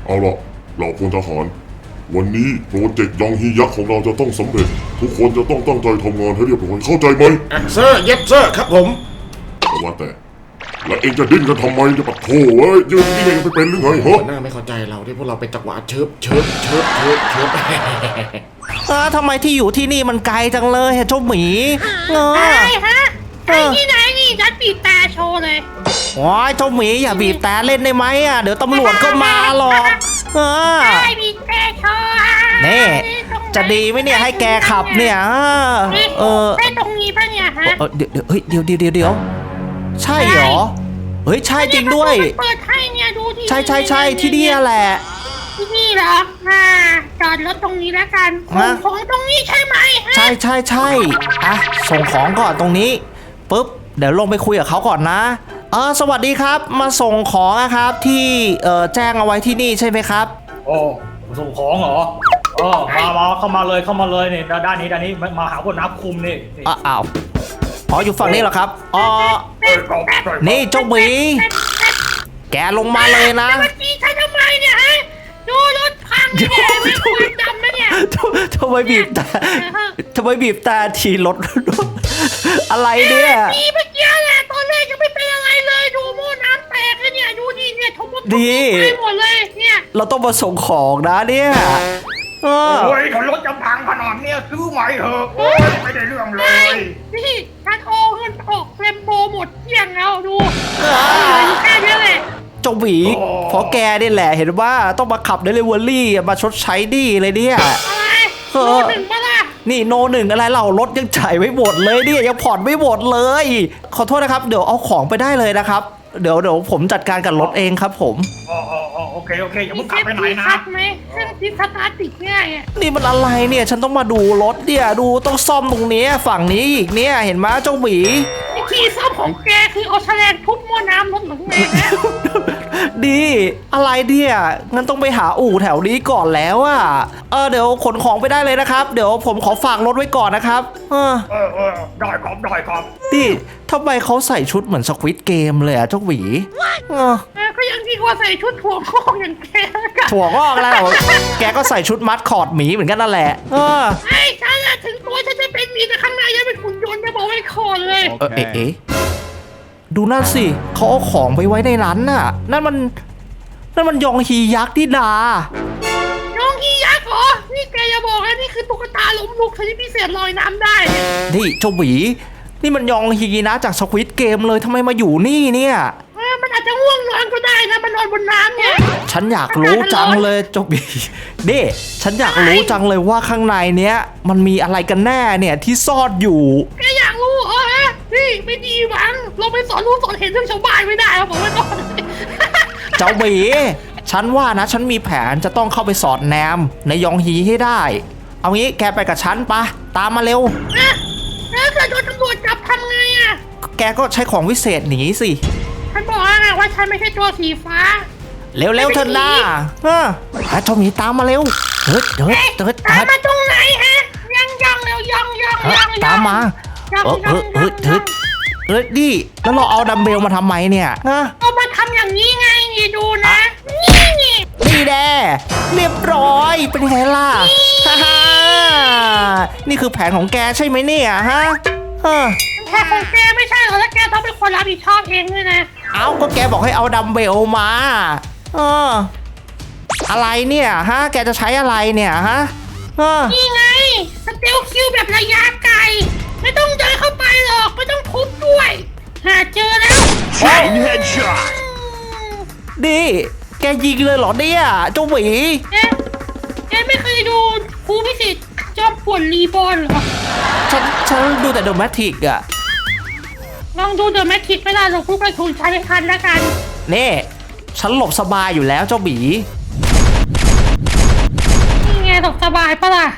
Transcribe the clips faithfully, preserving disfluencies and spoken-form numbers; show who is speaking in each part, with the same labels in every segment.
Speaker 1: เอาล่ะเหล่าพลทหารวันนี้โปรเจกต์ยองฮียักษ์ของเราจะต้องสำเร็จทุกคนจะต้องตั้งใจทำงานให้เรียบร้อยเข้าใจไหม
Speaker 2: เซอร์เย็บเซอร์ครับผม
Speaker 1: แต่ว่าแต่แล้วเองจะดิ้นกันทำไมเนี่ยปะโถ่เอ้ยยืนนี่เองไปเป็นหรือไงฮะ
Speaker 2: หน้าไม่เข้าใจเราที่พวกเราเป็นจังหวะเชิบเชิบเชิบเชิบเชิบ
Speaker 3: เออทำไมที่อยู่ที่นี่มันไกลจังเลยเจ้าหมีเออ
Speaker 4: ใช่ฮะไอ้ที่ไหนนี่ฉันบีบแต่โชว์เลย
Speaker 3: โอ้ยเจ้าหมีอย่าบีบแต่เล่นได้ไหมอ่ะเดี๋ยวตำรวจก็มาหรอกเออ
Speaker 4: ใช่บีบแต่โชว์
Speaker 3: นี่จะดีไหมเนี่ยให้แกขับเนี่ยเออ
Speaker 4: ใช่ตรงนี้ป่ะเนี่ยฮะ
Speaker 3: เออเดี๋ยวเดี๋ยวเฮ้ยเดี๋ยวเดี๋ยวเดี๋ยวเดี๋ยวใช่เหรอเฮ้ยใช่จริงด้วย
Speaker 4: เปิดให้เนี่ยดูที่
Speaker 3: ใช่ใช่ใช่ที่นี่แหละ
Speaker 4: ที่นี่เหรออ่าจอดรถตรงนี้แล้วกัน
Speaker 3: ฮะ
Speaker 4: ของตรงนี้ใช่ไหมฮะ
Speaker 3: ใช่ใช่ใช่อ่ะส่งของก่อนตรงนี้ปุ๊บเดี๋ยวลงไปคุยกับเขาก่อนนะเออสวัสดีครับมาส่งของนะครับที่เออแจ้งเอาไว้ที่นี่ใช่ไหมครับ
Speaker 5: โอ้ส่งของเหรอเออมามาเข้ามาเลยเข้ามาเลยนี่ด้านนี้ด้านนี้มามาหาคนนับคุมนี่นี่
Speaker 3: อ้าวอ้าวอ๋ออยู่ฝั่งนี้เหรอครับอ๋อ
Speaker 5: เอ้ยก็ได้
Speaker 3: นี่เจ้าหมีแกลงมาเลยนะ
Speaker 4: สวัสดีฉันทำไมเนี่ยฮะดูรถพังเนี่ยไม่ควรจำนะเนี่ย
Speaker 3: ทำไมบีบแต่ทำไมบีบแต่ทีรถ อะไรเนี่ย
Speaker 4: ดีเมื่อกี้แหละตอนแรกยังไม่เป็นอะไรเลยดูโม่น้ำแตกเลยเนี่ยดูดิเนี่ยทุบทุบ
Speaker 3: ดี
Speaker 4: ไปหมดเลยเนี่ย
Speaker 3: เราต้องมาส่งของนะเนี่ยเออ
Speaker 5: โอ้ยถ้ารถจะพังขนาดเนี้ยซื้อใหม่เถอะโอ้ยไม่ได้เรื่องเลย
Speaker 4: นี่ฉันโอนเงินออกเรมโบหมดเกลี้ยงแล้วดูเหลืออยู่แค่นี้แหละ
Speaker 3: เจ้าหวีเพราะแกนี่แหละเห็นว่าต้องมาขับเดลิเวอรี่มาชดใช้หนี้เลยเนี่ย
Speaker 4: อะไร
Speaker 3: เออ
Speaker 4: โดนหนึ่งปะล่ะ
Speaker 3: นี่โนหนึ่งอะไรเรารถยังจ่ายไม่หมดเลยเนี่ยยังผ่อนไม่หมดเลย ขอโทษนะครับเดี๋ยวเอาของไปได้เลยนะครับเดี๋ยวเดี๋ยวผมจัดการกับรถเองครับผม
Speaker 5: อ๋ออ๋ออ๋อโอเคโอเคอย่า
Speaker 4: มี
Speaker 5: เพิ่ง
Speaker 4: เซ
Speaker 5: กลับ
Speaker 4: ฟ
Speaker 5: ไปไหน
Speaker 4: ตี้
Speaker 5: นะ
Speaker 4: คัทไหมเครื่องที่สตาร์ทติดง่ายอ่ะ
Speaker 3: นี่มันอะไรเนี่ยฉันต้องมาดูรถเนี่ยดูต้องซ่อมตรงนี้ฝั่งนี้อีกเนี่ยเห็นไหมเจ้าหมี
Speaker 4: วิธีซ่อมของแกคือเอาแฉลงทุบหม้อน้ำรถหรือไงนะ
Speaker 3: ดีอะไรเนี่ยงั้นต้องไปหาอู่แถวนี้ก่อนแล้วอะเออเดี๋ยวขนของไปได้เลยนะครับ เดี๋ยวผมขอฝากรถไว้ก่อนนะครับเออ
Speaker 5: เออเออได้ครับได้ครับ
Speaker 3: นี่ทำไมเขาใส่ชุดเหมือนสควิดเกมเลยอะเจ้าหวีเออ
Speaker 4: เออก็ยังดีกว่าใส่ชุดถั่วงอกอย่างแกแล้วกัน
Speaker 3: ถั่วงอกแล้วแกก็ใส่ชุดมัดคอร์ดหมีเหมือนกันนั่นแหละเออ
Speaker 4: ไอ้ฉันอะถึงตัวฉันจะเป็นหมีแต่ข้างในยังเป็นหุ่นยนต์จะบอกไว้คอนเลย
Speaker 3: เออเอ๊ะเอ๊ะดูนั่นสิเขาเอาของไปไว้ในนั้นน่ะ นั่นมันนั่นมันยองฮียักษ์ที่ดา
Speaker 4: น้องกียักษ์เหรอ นี่แกอย่าบอกนะนี่คือตุ๊กตาล้มลุกชนิดพิเศษลอยน้ำได้เนี่ย
Speaker 3: นี่เจ้าหวีนี่มันยองฮีนะจากสควิดเกมเลยทำไมมาอยู่นี่เนี่ย
Speaker 4: เออมันอาจจะง่วงนอนก็ได้นะมันนอนบนน้ำเนี่ย
Speaker 3: ฉันอยากรู้จังเลยเจ้าหวีนี่ฉันอยากรู้จังเลยว่าข้างในเนี้ยมันมีอะไรกันแน่เนี่ยที่ซ่อนอยู่
Speaker 4: แกอยากรู้เหรอฮะนี่ไม่ดีมั้งเราไปสอนรู้สอนเห็นเรื่องชาวบ้านไม่ได้ครับผมไม่ต้อง
Speaker 3: เจ้าหวีฉันว่านะฉันมีแผนจะต้องเข้าไปสอดแนมในยองฮีให้ได้ เอางี้แกไปกับฉันปะตามมาเร็ว
Speaker 4: นะแล้วเกิดโดนตำรวจจับทำไงอ่ะ
Speaker 3: แกก็ใช้ของวิเศษหนีสิ
Speaker 4: ฉันบอกแล้วไงว่าฉันไม่ใช่ตัวสีฟ้า
Speaker 3: เร็วเร็วๆเถอะนะเอออ่ะเจ้าหมีตามมาเร็วเฮ้ยเฮ้ย
Speaker 4: เอ๊ะ
Speaker 3: เฮ้ย
Speaker 4: ตามมาตรงไหนฮะยังยังเร็วยังยัง
Speaker 3: เฮ้ย
Speaker 4: ยัง
Speaker 3: ตามมา
Speaker 4: ยัง
Speaker 3: เออ
Speaker 4: ยัง
Speaker 3: เฮ้ยเฮ้ย
Speaker 4: ยัง
Speaker 3: เฮ้ยเฮ้ยดิแล้วเราเอาดัมเบลมาทำไมเนี่ยฮะ
Speaker 4: เอามาทำอย่างนี้ไงนี่ดูนะ นี่นี่
Speaker 3: นี่แน่เรียบร้อยเป็นไงล่ะฮ่าฮ่านี่คือแผนของแกใช่ไหมเนี่ยฮะเออ
Speaker 4: แค่ของแกไม่ใช่เหรอแล้วแกต้องเป็นคนรับผิดชอบเองด้วยนะ
Speaker 3: เอาก็แกบอกให้เอาดัมเบลมาเอออะไรเนี่ยฮะแกจะใช้อะไรเนี่ยฮะเออ
Speaker 4: นี่ไงสเตลคิวแบบระยะไกลไม่ต้องเดินเข้าไปหรอกไม่ต้องทุบด้วย หาเจอแล้ว
Speaker 5: Chain headshot
Speaker 3: ดิแกยิงเลยเหรอเนี่ยเจ้าหวี
Speaker 4: แกแกไม่เคยดูครูพิสิทธิ์จอมป่วนรีบอลเหรอ
Speaker 3: ฉันฉันดูแต่เดอะแมทริกอะ
Speaker 4: ลองดูเดอะแมทริกไม่ได้หรอกลูกกระสุนใช้ไม่ทันแล้วกัน
Speaker 3: นี่ฉันหลบสบายอยู่แล้วเจ้าหมี
Speaker 4: นี่ไงตกสบายปะล่ะ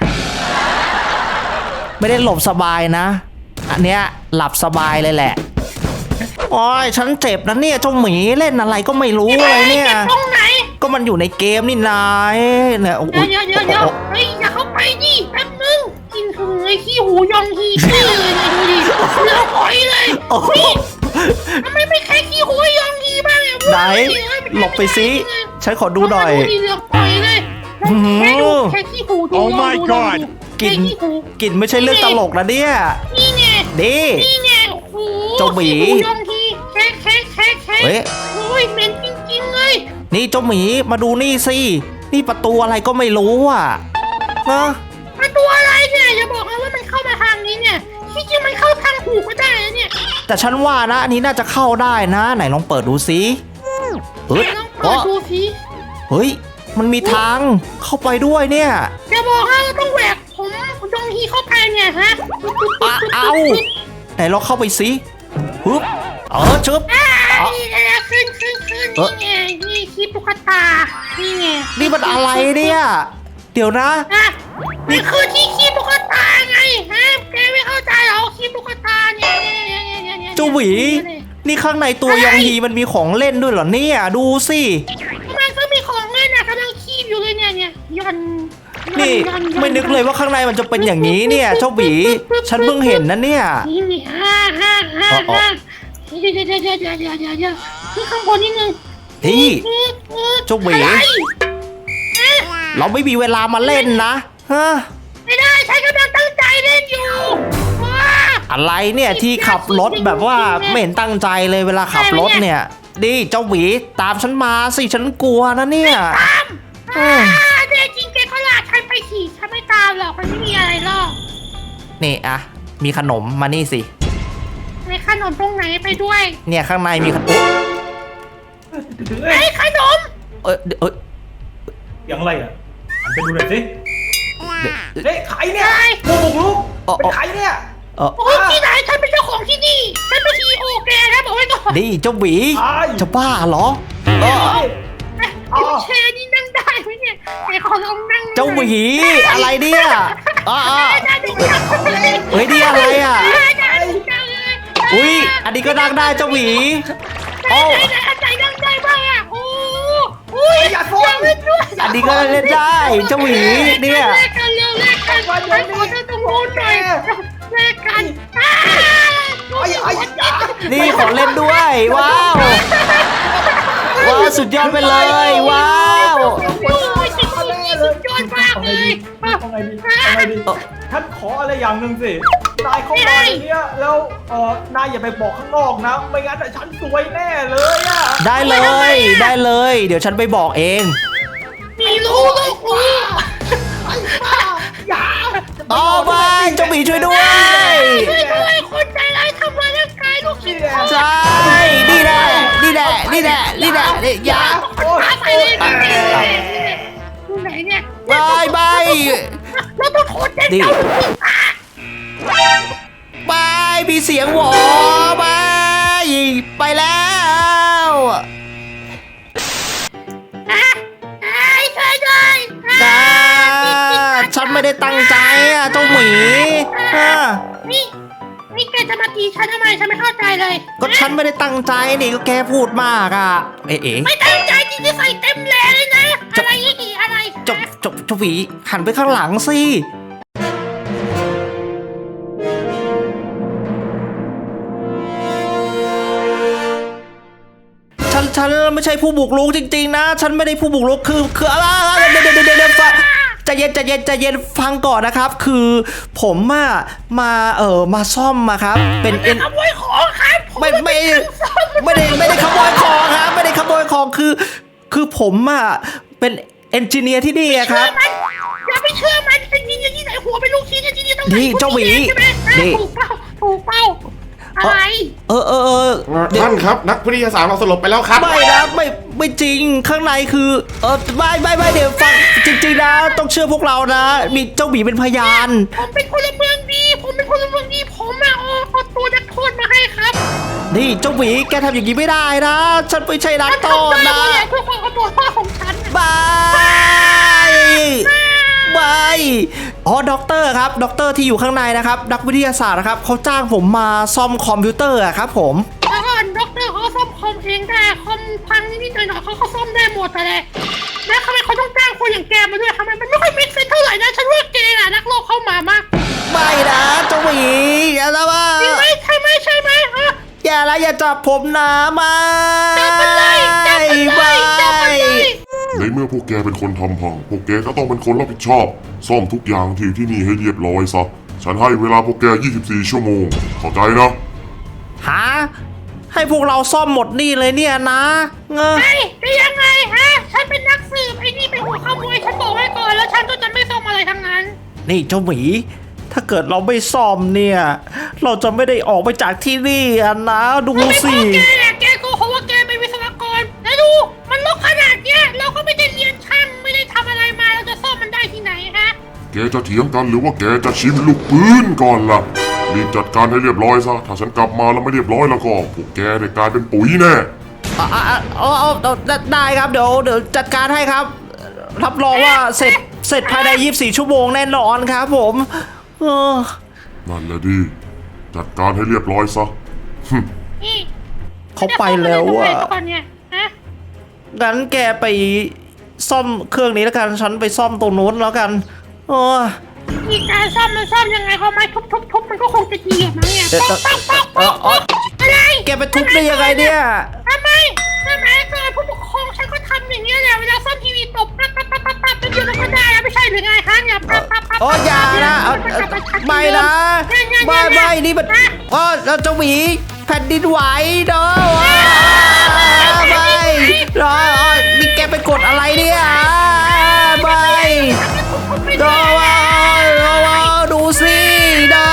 Speaker 3: ไม่ได้หลบสบายนะ อันเนี้ยหลับสบายเลยแหละโอ้ยฉันเจ็บนะเนี่ยเจ้าหมีเล่นอะไรก็ไม่รู้เลยเนี่ย
Speaker 4: จ็บตรงไหน
Speaker 3: ก็มันอยู่ในเกมนี่นายเนี่ยโอ้
Speaker 4: เดี๋ยวย เดี๋ยวเดี๋ยวเดี๋ยวเฮ้ยอย่าเข้าไปดิแป๊บนึงกินถึงไอ้ขี้หูยองฮีขี้เลยเนี่ยดูดิเหลือหอยเลย
Speaker 3: โอ้โห
Speaker 4: นี่ทำไมไม่แค่ขี้หูยองฮีบ้างเนี่ย
Speaker 3: ไหนไหนหลบไปสิฉันขอดูหน่อย
Speaker 4: ดูดิเหลือกปล่อยเลยลองแค่ดูแค่ขี้หูดู
Speaker 6: Oh
Speaker 4: ลอง
Speaker 6: my
Speaker 4: ดูลอง
Speaker 6: God
Speaker 4: ดู
Speaker 3: กลิ่น
Speaker 4: แค่ขี้หู
Speaker 3: กลิ่นไม่ใช่เรื่องตลกนะเนี่ย
Speaker 4: นี่ไง
Speaker 3: นี่
Speaker 4: นี่ไงโอ้โห
Speaker 3: เจ้าหมี
Speaker 4: ขี้หูยองทีแค่แค่แค่แค่
Speaker 3: เฮ้ย
Speaker 4: โอ้ยเหม็นจริงๆเลย
Speaker 3: นี่เจ้าหมีมาดูนี่สินี่ประตูอะไรก็ไม่รู้อ่ะนะ
Speaker 4: มันตัวอะไรเนี่ยอย่าบอกนะว่ามันเข้ามาทางนี้เนี่ยที่จริงมันเข้าทางหูก็ได้นะเนี่ย
Speaker 3: แต่ฉันว่านะอันนี้น่าจะเข้าได้นะ ไหนลองเปิดดูสิเฮ้ย
Speaker 4: ลองเปิดดูสิ
Speaker 3: เฮ้ยมันมีทางเข้าไปด้วยเนี่ย
Speaker 4: อย่าบอกนะเราต้องแหวกผมยองฮีเข้าไปเนี่ยฮะ
Speaker 3: อ่ะเอาไหนลองเข้าไปสิฮึบเออชึบ
Speaker 4: อ่านี่ไงขึ้นขึ้นขึ้น
Speaker 3: เอ๊ะ
Speaker 4: นี่ไงนี่คลิปตุ๊กตานี่ไง
Speaker 3: นี่มันอะไรเนี่ย เดี๋ยวนะ
Speaker 4: อ่ะนี่คือที่คลิปตุ๊กตาไงฮะแกไม่เข้าใจเหรอคลิปตุ๊กตาเนี่ยเนี่ยเนี่ยเนี่ยเนี่ย
Speaker 3: เจ้าหวี นี่ข้างในตัวยองฮีมันมีของเล่นด้วยเหรอเนี่ย ดูสิ
Speaker 4: มันก็มีของเล่นนะกำลังคีบอยู่เลยเนี่ยเนี่ยยันยั
Speaker 3: นี่
Speaker 4: ยัยั
Speaker 3: ไม่นึกเลยว่าข้างในมันจะเป็นอย่างนี้เนี่ย เจ้าหวี ฉันเพิ่งเห็นนะเนี่ย
Speaker 4: นี่นี่ฮ่าฮ่าฮ่า
Speaker 3: อ๋ออ๋อ
Speaker 4: ฮ่าเดี๋ยวเดี๋ยวเดี๋ยวเดี๋ยวเดี๋ยวเดี๋ยวเดี๋ยวขึ้นข้างบนนิดนึง
Speaker 3: นี่
Speaker 4: อืมอืม
Speaker 3: เจ้าหวี
Speaker 4: อะไรฮะ
Speaker 3: เราไม่มีเวลามาเล่นนะฮะ
Speaker 4: ไม่ได้ฉันกำลังตั้งใจเล่นอยู่ว้า
Speaker 3: อะไรเนี่ยที่ขับรถแบบว่าไม่เห็นตั้งใจเลยเวลาขับรถเนี่ยดิเจ้าหวีตามฉันมาสิฉันกลัวนะเนี่ย
Speaker 4: ตาม
Speaker 3: อื
Speaker 4: อ่าม แน่จริงแกก็ลากฉันไปขี่ฉันไม่ตามหรอกมันไม่มีอะไรหรอก
Speaker 3: นี่อะมีขนมมานี่สิ
Speaker 4: ในขนมตรงไหนไปด้วย
Speaker 3: เนี่ยข้างในมีขนม
Speaker 4: ไอ้ขนม
Speaker 3: เอ้ยเอ้ย
Speaker 5: อย่างไรอ่ะหันไปดูหน่อยสิ
Speaker 3: เดี๋ยว
Speaker 5: เฮ้ยใครเนี่ย
Speaker 4: อะไร
Speaker 5: ผู้บุกรุก
Speaker 3: อ๋อ
Speaker 5: เป็นใครเนี่ย
Speaker 3: เออ
Speaker 4: โอ้ยที่ไหนฉันเป็นเจ้าของที่นี่ฉันเป็นซีโอแกนะบอกไว้ก่อน
Speaker 3: นี่เจ้าหวี
Speaker 5: ใช่
Speaker 3: จะบ้าเหรอเออ
Speaker 4: ไอ้แชร์นี่นั่งได้ไหมเนี่ยไอ้ขอลองนั่ง
Speaker 3: เจ้าหวีอะไรเนี่ยอ่า
Speaker 4: ได้ดูจังเลย
Speaker 3: เฮ้ยนี่อะไรอ่ะ
Speaker 4: ได้ดูจังเลย
Speaker 3: อุ้ยอันนี้ก็นั่งได้เจ้าหวีโอ้
Speaker 4: ไหนไหนอันไหนนั่งได้บ้างอ่ะโอ้อุ้ยอย่าเล่นด้วย
Speaker 3: อันนี้ก็เล่นได้เจ้าหวีเนี่ย
Speaker 4: แลกกันเร็วแลกกันฉันขอเธอตรงโน้นหน่อยแลกกันอ้า
Speaker 5: ไอ้ไอ้ยา
Speaker 3: นี่ขอเล่นด้วยว้าวว้าวสุดยอดไปเลยว้าว
Speaker 4: โอ้ยสุดสุดยอดมากเลย
Speaker 5: ทำไงดีทำไงดีท่านขออะไรอย่างหนึ่งสินายเข้ามาในเนี้ยแล้วเออนายอย่าไปบอกข้างนอกนะไม่งั้นฉันซวยแน่เลยอะ
Speaker 3: ได้เลยได้เลย เดี๋ยวฉันไปบอกเอง
Speaker 4: มีรู้ลูกรู้
Speaker 5: อย่า
Speaker 3: อ๋อไม่เจ้าหมีช่วยด้วย
Speaker 4: ช่วยด้วยคนใจร้ายทำร้ายร่างกายลูกศิษย์
Speaker 3: ใช่นี่แหละนี่แหละนี่แหละนี่แหละนี่อย่า
Speaker 4: ตาไปเลยดูไหนเนี่ย
Speaker 3: บายบาย
Speaker 4: เราต้องโทษเด็ก
Speaker 3: นี่
Speaker 4: เจ้า
Speaker 3: บายมีเสียงหวอบายไปแล้ว
Speaker 4: อ่ะไอ้ช่วยด้วย
Speaker 3: จ้าฉันไม่ได้ตั้งใจอ่ะเจ้าหมีอ่ะ
Speaker 4: นี่นี่แกจะมาตีฉันทำไมฉันไม่เข้าใจเลย
Speaker 3: ก็ฉันไม่ได้ตั้งใจนี่ก็แกพูดมากอ่ะเอ๋เอ๋
Speaker 4: ไม่ตั้งใจจริงๆใส่เต็มแรงเลยนะอะไรอีกอะไร
Speaker 3: จบจบเจ้าหมีหันไปข้างหลังสิฉันฉันไม่ใช่ผู้บุกรุกจริงๆนะ ฉันไม่ได้ผู้บุกรุกคือคืออะไรเดี๋ยวเดี๋ยวเดี๋ยวเดี๋ยวฟังใจเย็นใจเย็นใจเย็นฟังก่อนนะครับ คือผมอะมาเออมาซ่อมมาครับ เป็นเอ็น
Speaker 4: ขโมยของครับผ
Speaker 3: ไม่ไม่ไม่ได้ไม่ได้ขโมยของครับไม่ได้ขโมยของคือ คือผมอะเป็นเอนจิเนียร์ที่นี่อะครับ
Speaker 4: มันอย่าไปเชื่อมันเป็นยิงอย่างนี้ไหนหัวเป็นลูกชิ้นอย่างนี้ต้อง
Speaker 3: นี่เจ้าหวี
Speaker 4: ใช่ไหม
Speaker 3: นี่
Speaker 4: ถูกเป้าถูกเป้าอะไร
Speaker 3: เออเออเออเดี๋ยว
Speaker 2: ท่านครับนักวิทยาศาสตร์เราสลบไปแล้วครับ
Speaker 3: ไม่นะไม่ไม่จริงข้างในคือเออไม่ไม่ไม่เดี๋ยวฟังจริงๆนะต้องเชื่อพวกเรานะ มีเจ้าหมีเป็นพยาน
Speaker 4: ผมเป็นพลเมืองดีผมเป็นพลเมืองดีผมมาเอาเอาตัวนักโทษมาให้ครับ
Speaker 3: นี่เจ้าหมีแกทำอย่างนี้ไม่ได้นะ ฉันไม่ใช่นัก
Speaker 4: ฉัน
Speaker 3: โทษ
Speaker 4: ทำได้
Speaker 3: นะ
Speaker 4: เพราะอะไรเพื่อความเอาตัวรอดของฉัน
Speaker 3: บายบายอ๋อด็อกเตอร์ครับด็อกเตอร์ที่อยู่ข้างในนะครับนักวิทยาศาสตร์นะครับเขาจ้างผมมาซ่อมคอมพิวเตอร์อะครับผม
Speaker 4: แล้วก่อนด็อกเตอร์เขาซ่อมคอมเองได้คอมพังนิดๆหน่อยๆเขาก็ซ่อมได้หมดแต่แหละแล้วทำไมเขาต้องจ้างคนอย่างแกมาด้วยทำไมมันไม่ค่อยมิกซ์เท่าไหร่นะฉันว่าแกน่ะนักโลกเข้ามามาก
Speaker 3: ไม่นะเจ้าหมีอย่าละว่า
Speaker 4: จริงไหมใช่ไหมใช่ไหมฮะ
Speaker 3: อย่าละอย่าจับผมนะมา
Speaker 4: จับมันเลยจับ
Speaker 3: บาย
Speaker 1: ในเมื่อพวกแกเป็นคนทำพัง พวกแกก็ต้องเป็นคนรับผิดชอบ ซ่อมทุกอย่างที่ที่นี่ให้เรียบร้อยซะ ฉันให้เวลาพวกแก ยี่สิบสี่ ชั่วโมง เข้าใจนะ
Speaker 3: หาให้พวกเราซ่อมหมดนี่เลยเนี่ยนะเงอ
Speaker 4: ไอ้จะยังไงฮะ ฉันเป็นนักสืบไอ้นี่เป็นหัวขโมยฉันบอกไว้ก่อนแล้วฉันก็จะไม่ซ่อมอะไรทั้งนั้น
Speaker 3: นี่เจ้าหมี ถ้าเกิดเราไม่ซ่อมเนี่ย เราจะไม่ได้ออกไปจากที่นี่อะนะดู
Speaker 4: ไม่
Speaker 3: สิ
Speaker 4: พอแกเนี่ยแกโกหกว่าแกเป็นวิศวกรแล้วดูมันลกขนาดเนี้ยเราก็ไม่ได้เรียนช่างไม่ได้ทำอะไรมาเราจะซ่อมมันได้ที่ไหนฮะ
Speaker 1: แกจะเถียงกันหรือว่าแกจะชิมลูกปืนก่อนล่ะ รีบจัดการให้เรียบร้อยซะ ถ้าฉันกลับมาแล้วไม่เรียบร้อยแล้วก็พวกแกได้กลายเป็นปุ๋ยแน่
Speaker 3: อ่ะอ่ะอ่ะเอาเอาเอาได้ครับเดี๋ยวเดี๋ยวจัดการให้ครับ รับรองว่าเสร็จเสร็จภายในยี่สิบสี่ชั่วโมงแน่นอนครับผมเออ
Speaker 1: นั่นแหละดี จัดการให้เรียบร้อยซะ
Speaker 4: นี่
Speaker 3: เขาไปแล้วอะ
Speaker 4: จะซ่อมอะไรตรงไหนก่อนเนี่ยฮะ
Speaker 3: งั้นแกไปซ่อมเครื่องนี้แล้วกันฉันไปซ่อมตรงนู้นแล้วกันเออ
Speaker 4: มีการซ่อมมันซ่อมยังไงเขาไม้ทุบทุบทุบมันก็คงจะดีอะมั้งเนี่ย
Speaker 3: เดี๋ยว
Speaker 4: ป๊อกป๊อกป๊อก
Speaker 3: เอ
Speaker 4: ป๊อ
Speaker 3: อก เออ
Speaker 4: อะไร
Speaker 3: แกไปทุบได้ยังไงเนี่ย
Speaker 4: ทำไมสมัยก่อนผู้ปกครองฉันก็ทำอย่างเงี้ยแหละเวลาซ่อมทีวีตบปั๊บปั๊บปั๊บปั๊บปั๊บเป็นเดียวมันก็ได้อะไม่ใช่หรือไงคะเนี่ยปั๊บปั๊บปั๊บ
Speaker 3: โอ้ยอย่านะเอาเอาไม่นะไม่ไม่นี่มันโอ้เราจะหวีแผ่นดินไหวเด้อว้าไม่รอนี่แกไปกดอะไรเนี่ยไม่เด้อว้าดูสิเด้อ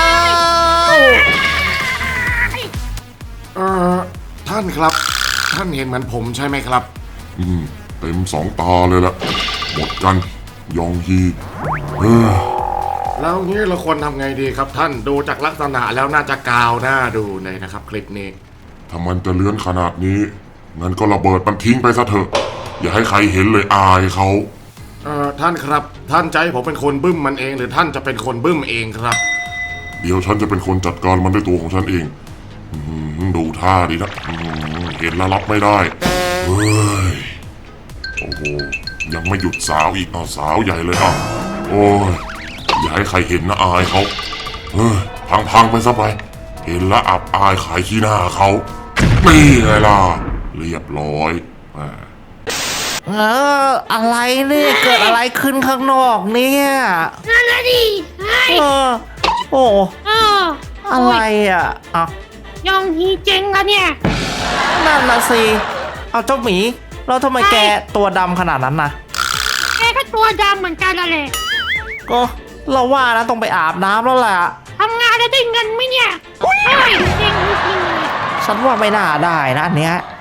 Speaker 2: เอ่อท่านครับ ท่านเห็นเหมือนผมใช่ไหมครับ
Speaker 1: อืม เต็มสองตาเลยละหมดกัน ยองฮีเออ
Speaker 2: แล้วงี้เราควรทำไงดีครับท่านดูจากลักษณะแล้วน่าจะกาวหน้าดูเลยนะครับคลิปนี้
Speaker 1: ถ้ามันจะเลื้อนขนาดนี้ งั้นก็ระเบิดมันทิ้งไปซะเถอะ อย่าให้ใครเห็นเลยอายเขา
Speaker 2: เอ่อท่านครับท่านใจผมเป็นคนบึ้มมันเองหรือท่านจะเป็นคนบึ้มเองครับ
Speaker 1: เดี๋ยวฉันจะเป็นคนจัดการมันด้วยตัวของฉันเองอื้อหือดูท่าดีนะอื้อหือเห็นแล้วรับไม่ได้เฮ้ย โอ้โห ยังไม่หยุดสาวอีกอ่ะสาวใหญ่เลยอ่ะโอ้ย อย่าให้ใครเห็นนะอายเขาเฮ้ย พังๆไปซะไป เห็นแล้วอับอายขายขี้หน้าเขานี่ไงล่ะ เรียบร้อยอ่า
Speaker 3: เอออะไรเนี่ยเกิดอะไรขึ้นข้างนอกเนี่ย
Speaker 4: นั่นแหละดิไอ้
Speaker 3: เออโอ้
Speaker 4: เออ
Speaker 3: อะไรอ่ะอ่ะ
Speaker 4: ยองฮีเจ๋งละเนี่ย
Speaker 3: นั่นน่ะสิเอาเจ้าหมีแล้วทำไมแกตัวดำขนาดนั้นนะ
Speaker 4: แกก็ตัวดำเหมือนกันนั่นแหละ
Speaker 3: ก็เราว่านะต้องไปอาบน้ำแล้วแหละ
Speaker 4: ทำงานแล้วได้เงินไหมเนี่ยโอ้ยเจ๋งจริงๆเลย
Speaker 3: ฉันว่าไม่น่าได้นะอันเนี้ย